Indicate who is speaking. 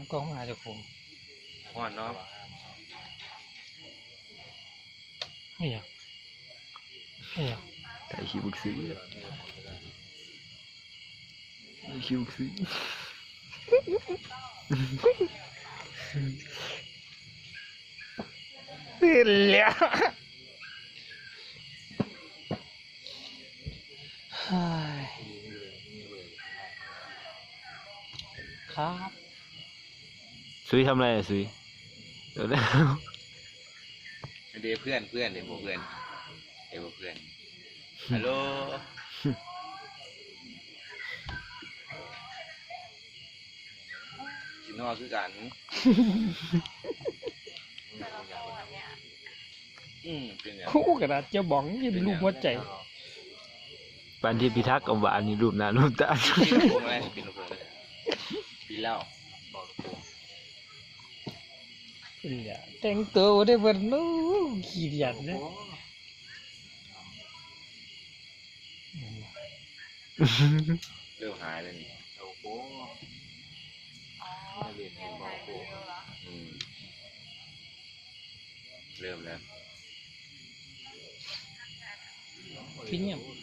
Speaker 1: กล้องมาจากผม
Speaker 2: ห่อนเนาะ
Speaker 1: ไม่อยากไม่อยาก
Speaker 3: ถ่ายคลิปบุกซื้อคลิปบุกซื้อ
Speaker 1: ตื่นแล้วครับ
Speaker 3: ซุยทำอะไรอะซุยเดี๋ยวแล้ว
Speaker 2: เดี๋ยวเพื่อนเดี๋ยวเพื่อนฮัลโหลกินนอคือกันเป็นอย่าง
Speaker 1: คู่กระดาษเจ้าบ้องยินลูกหัวใจ
Speaker 3: ปันที่พิทักษ์กับหวานนี่รูปหน้ารูปตา
Speaker 2: ปีละพงอะไรปีละพงเลยปีเล่าบอกลูกโป่ง
Speaker 1: ตื่นแล้วแต่งตัวได้เบิดนู้ขี้เดียดนะ
Speaker 2: เริ่มหายเลยนี่โอ้โหเรียนเองบอกโป่งเริ่มแล้ว
Speaker 1: พี่เนี่ย